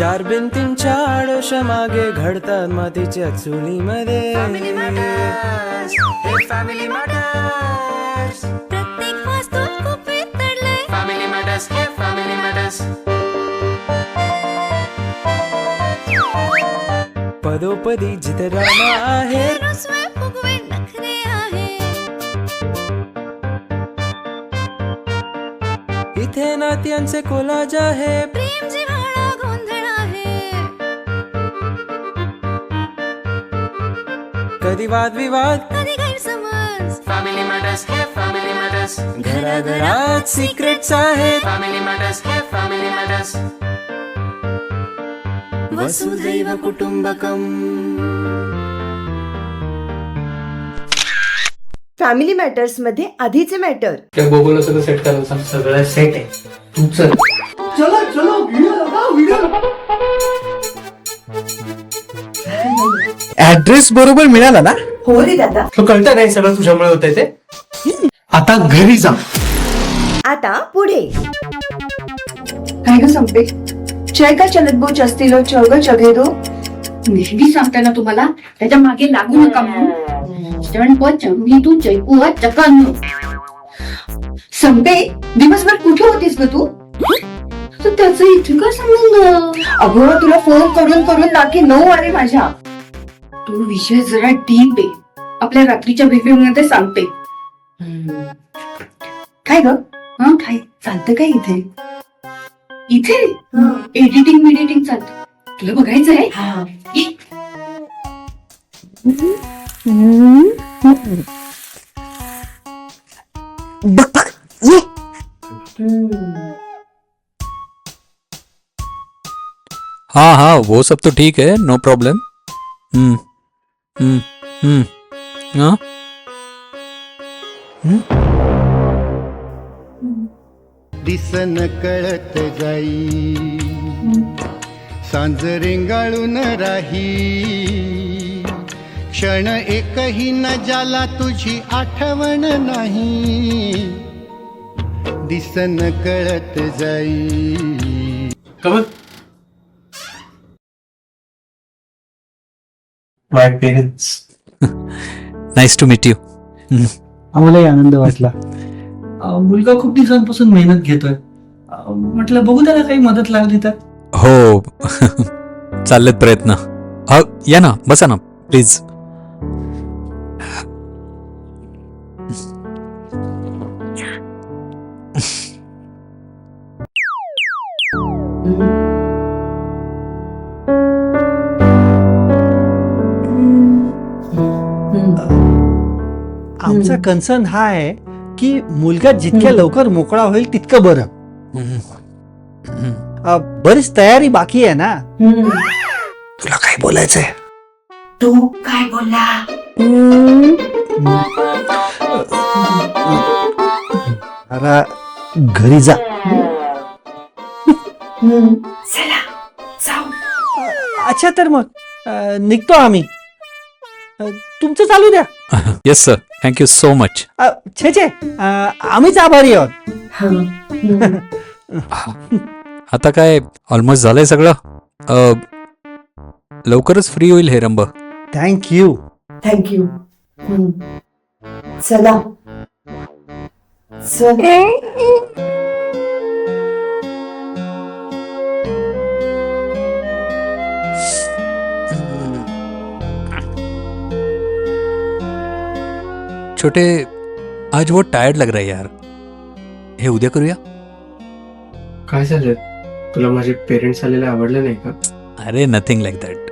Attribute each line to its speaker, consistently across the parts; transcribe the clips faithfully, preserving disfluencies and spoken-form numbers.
Speaker 1: चार भिंतींच्या आडोशा मागे घडतात मातीच्या चुलीमध्ये.
Speaker 2: Family matters.
Speaker 3: प्रत्येक वास्तूत खूप वितळलंय.
Speaker 2: फॅमिली मॅटर्स हे फॅमिली मॅटर्स.
Speaker 1: पदोपदी जिथे रामा आहे,
Speaker 3: रुसवे फुगवे नखरे आहे.
Speaker 1: इथे नात्यांचे कोलाज आहे.
Speaker 3: प्रेम जिव्हाळा गोंधळ आहे.
Speaker 1: कधी वादविवाद,
Speaker 3: कधी गैरसमज.
Speaker 2: फॅमिली मॅटर्स हे फॅमिली मॅटर्स.
Speaker 1: घराघरात सिक्रेट्स आहेत.
Speaker 2: फॅमिली मॅटर्स हे फॅमिली मॅटर्स.
Speaker 1: वसुधैव कुटुंबकम.
Speaker 4: फॅमिली मॅटर्स मध्ये आधीचे मॅटर.
Speaker 5: त्या गोगोला सगळं सेट करायला सांग. सगळं सेट आहे, तू चल.
Speaker 6: चलो चलो व्हिडिओ लगाओ व्हिडिओ.
Speaker 7: ऍड्रेस बरोबर मिळाला ना?
Speaker 4: हो रे दादा.
Speaker 5: तो कळतं नाही सगळं तुझ्यामुळे होतंय ते. आता घरी जा.
Speaker 4: आता पुढे.
Speaker 8: काय ग संपे, जय का चलत बो चस्तीलो चौग जगे दो.
Speaker 9: नेहमी सांगते ना तुम्हाला त्याच्या मागे लागू नका म्हणून. चरण प चंगी तू जयकुआ चकानो.
Speaker 8: संपे, दिवसभर कुठे होतीस ग तू?
Speaker 9: तर त्याचं इथे काय संबंध?
Speaker 8: अगं तुला फोन करून करून नाकी नऊ आले माझ्या.
Speaker 9: तो विषय जरा डीप आहे. आपल्या रात्रीच्या बेबी मध्ये सांगते.
Speaker 8: काय ग? हं, काय चालतं काय इथे?
Speaker 9: इथे एडिटिंग मिडिटिंग चालतं. तुला बघायचं आहे?
Speaker 8: हा.
Speaker 9: ये.
Speaker 10: हाँ हाँ वो सब तो ठीक है, नो प्रॉब्लम. हम्म हम्म हम्म हाँ
Speaker 11: दिसन कळत जाई, सांज रेंगाळून राही. क्षण एकही न जाला तुझी आठवण नाही. दिसन कळत जाई.
Speaker 5: Kamal, my parents.
Speaker 10: Nice to meet you.
Speaker 6: आम्हालाही आनंद वाटला. अं, मुलगा खूप दिवसांपासून मेहनत घेतोय. अं, म्हटलं बघू त्याला काही मदत लागली तर.
Speaker 10: हो चाललेत प्रयत्न. हा या ना, बसा ना प्लीज.
Speaker 6: आमचा कन्सर्न हा आहे की मुलगा जितक्या लवकर मोकळा होईल तितकं बरं. अं, बरीच तयारी बाकी आहे ना.
Speaker 7: तुला काय बोलायचंय?
Speaker 8: तू काय बोलला?
Speaker 6: अरे घरी जा.
Speaker 8: चला जाऊ.
Speaker 6: अच्छा तर मग अं, निघतो आम्ही. अं, तुमचं चालू द्या.
Speaker 10: Yes sir, thank you so much.
Speaker 6: अं, छे छे अं, आम्हीच आभारी आहोत.
Speaker 10: आता काय ऑलमोस्ट झालंय सगळं. अ, लवकरच फ्री होईल हे रंब.
Speaker 6: थँक्यू.
Speaker 8: थँक्यू. चला चल.
Speaker 10: छोटे, आज वो टायर्ड लग रहा है यार. हे उद्या करूया.
Speaker 5: काय झालं? तुला माझे पेरेंट्स आलेले आवडले नाही का?
Speaker 10: अरे नथिंग लाईक दॅट.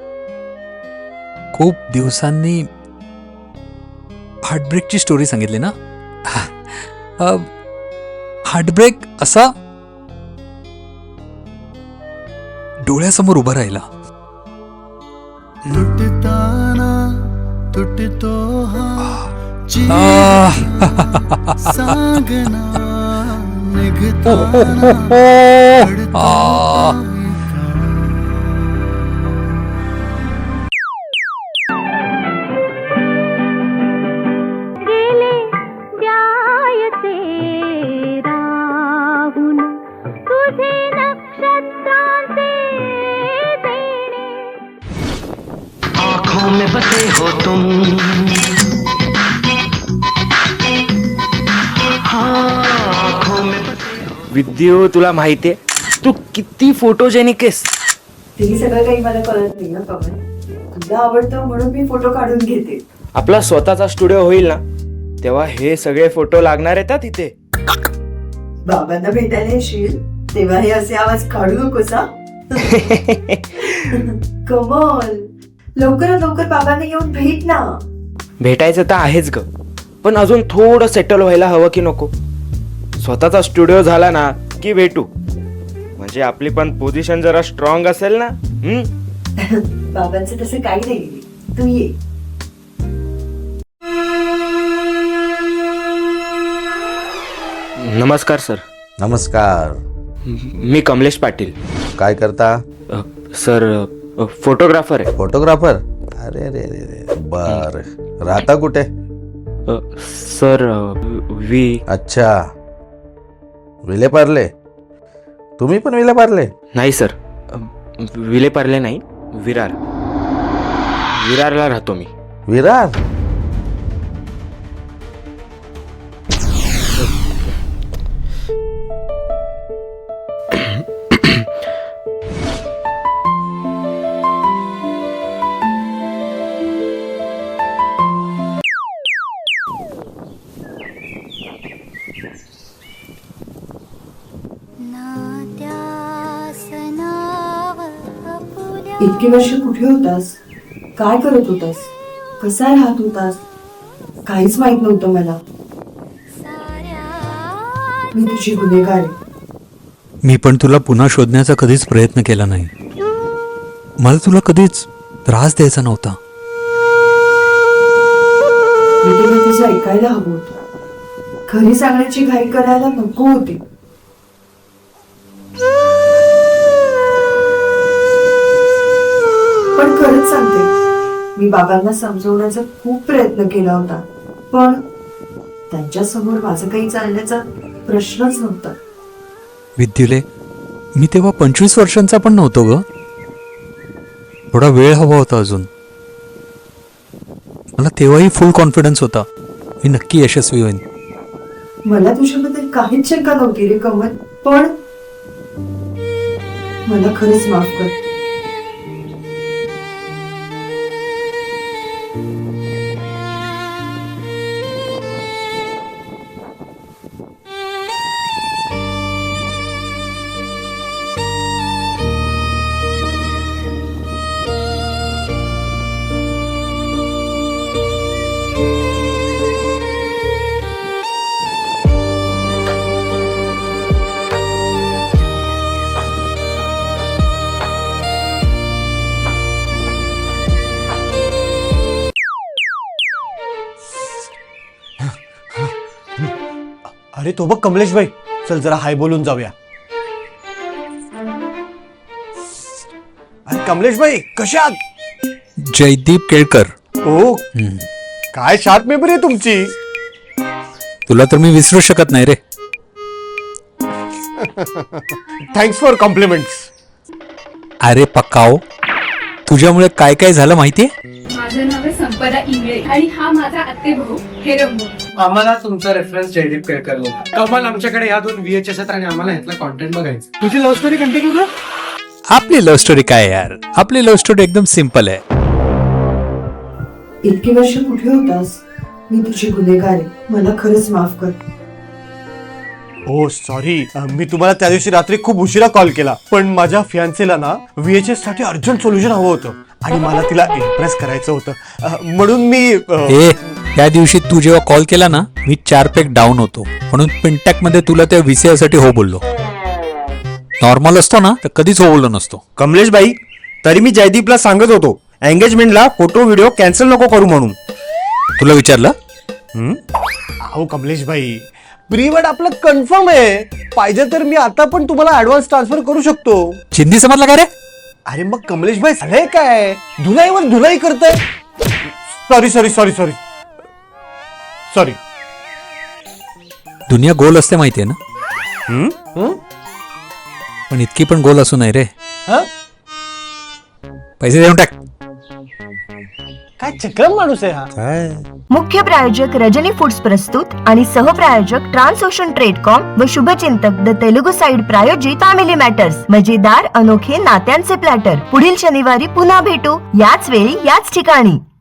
Speaker 10: खूप दिवसांनी हार्टब्रेकची स्टोरी सांगितली ना. हार्टब्रेक असा डोळ्यासमोर उभा राहिला.
Speaker 11: तुटताना तुटतो हा जीव, सांगना निघताना घडतो.
Speaker 3: गेले द्यायचे राहून तुझे नक्षत्रांचे
Speaker 1: बसे हो तुम, हाँ, आँखों में बसे हो। विद्यू, तुला माहितीये तू किती फोटोजेनिक आहेस.
Speaker 4: ते सगळं काही मला कळत नाही ना कमल. तुला आवडतं म्हणून मी फोटो काढून घेते.
Speaker 1: आपला स्वतःचा स्टुडिओ होईल ना तेव्हा हे सगळे फोटो लागणार आहेत तिथे.
Speaker 4: बाबांना भेटायला येशील तेव्हा हे असे आवाज काढू नकोस हा. कमल, लवकरात लवकर बाबांना येऊन भेट ना.
Speaker 1: भेटायचं तर आहेच ग, पण अजून थोडं सेटल व्हायला हवं की नको. स्वतःचा स्टुडिओ झाला ना की भेटू, म्हणजे आपली पण पोझिशन जरा स्ट्रॉंग असेल ना. हम्म.
Speaker 4: बाबांचं तसं काही नाही, तू ये.
Speaker 1: नमस्कार सर.
Speaker 7: नमस्कार.
Speaker 1: मी कमलेश पाटील.
Speaker 7: काय करता?
Speaker 1: अ, सर अ, फोटोग्राफर आहे.
Speaker 7: फोटोग्राफर? अरे रे रे रे, बर. राहता कुठे?
Speaker 1: अ, सर अ, वी
Speaker 7: अच्छा, विलेपार्ले. तुम्ही पण विलेपार्ले?
Speaker 1: नाही सर, अ, विलेपार्ले नाही, विरार. विरारला राहतो मी.
Speaker 7: विरार?
Speaker 4: इतकी वर्ष कुठे होतास? काय करत होतास? कसा राहत होतास? काहीच माहित नव्हतं मला. मी तुझी गुन्हेगार आहे.
Speaker 10: मी पण तुला पुन्हा शोधण्याचा कधीच प्रयत्न केला नाही. मला तुला कधीच त्रास द्यायचा नव्हता.
Speaker 4: मी तेव्हा तुझं ऐकायला हवं होतं. खरी सांगण्याची घाई करायला नको होती. पण खरंच सांगते, मी बाबांना समजवण्याचा खूप प्रयत्न केला होता, पण त्यांच्या समोर माझं काही चालण्याचा प्रश्नच नव्हता.
Speaker 10: विद्युले, मी तेव्हा पंचवीस वर्षांचा पण नव्हतो ग. थोडा वेळ हवा होता अजून. मला तेव्हाही फुल कॉन्फिडन्स होता मी नक्की यशस्वी होईन.
Speaker 4: मला तुझ्याबद्दल काहीच शंका नव्हती रे कमल, पण मला खरंच माफ कर.
Speaker 6: अरे तो बघ कमलेश भाई, चल जरा हाय बोलून जाऊया. अरे कमलेश भाई कसे आहात?
Speaker 10: जयदीप केळकर.
Speaker 6: ओ, काय शार्प मेमरी आहे तुमची.
Speaker 10: तुला तर मी विसरू शकत नाही रे.
Speaker 6: Thanks for compliments.
Speaker 10: अरे पक्काओ, तुझ्यामुळे काय काय झालं माहितीये.
Speaker 9: माझं नाव आहे संपदा इंगळे आणि हा माझा आत्ते भाऊ हेरंबो.
Speaker 5: आम्हाला तुमचा रेफरन्स जयदीप केळकर होता. कमाल, आमच्याकडे ह्या दोन व्हीएचएस आहेत आणि आम्हाला ह्यातला कॉन्टेंट बघायचं. तुझी लव्ह स्टोरी कंटिन्यू कर.
Speaker 10: आपली लव्ह स्टोरी काय यार, आपली लव्ह स्टोरी एकदम सिंपल आहे.
Speaker 4: इतकी वर्ष कुठे होतास? मी तुझी गुन्हेगार आहे. मला खरंच माफ कर.
Speaker 6: ओ सॉरी, मी तुम्हाला त्या दिवशी रात्री खूप उशिरा कॉल केला, पण माझ्या फियांसेला ना व्हीएचएस साठी अर्जंट सोल्युशन हवं होतं आणि मला तिला इम्प्रेस करायचं होतं, अं, म्हणून मी अं,
Speaker 10: ए त्या दिवशी तू जेव्हा कॉल केला ना, मी चार पेक डाऊन होतो, म्हणून पिंटॅक मध्ये तुला त्या विषयासाठी हो बोललो. नॉर्मल असतो ना तर कधीच हो बोललो नसतो.
Speaker 7: कमलेश भाई, तरी मी जयदीपला सांगत होतो एंगेजमेंटला फोटो व्हिडिओ कॅन्सल नको करू म्हणून.
Speaker 10: तुला विचारलं?
Speaker 6: अहो कमलेश भाई, प्रीवेड आपलं कन्फर्म आहे. पाहिजे तर मी आता पण तुम्हाला ऍडव्हान्स ट्रान्सफर करू शकतो.
Speaker 10: चिंदी समजला का रे?
Speaker 6: अरे मग कमलेश भाई सगळे काय धुलाईवर धुलाई करताय. Sorry sorry sorry sorry sorry
Speaker 10: दुनिया गोल असते माहितीये ना,
Speaker 6: हं?
Speaker 10: पण इतकी पण गोल असू नाही रे.
Speaker 6: हं?
Speaker 10: पैसे देऊन टाक.
Speaker 6: काय चक्रम माणूस आहे हा.
Speaker 7: काय
Speaker 3: मुख्य प्रायोजक रजनी फूड्स प्रस्तुत आणि सहप्रायोजक ट्रान्सओशन ट्रेडकॉम व शुभचिंतक द तेलुगू साइड प्रायोजित फॅमिली मॅटर्स मजेदार अनोखे नात्यांचे प्लॅटर. पुढील शनिवारी पुन्हा भेटू याच वेळी याच ठिकाणी.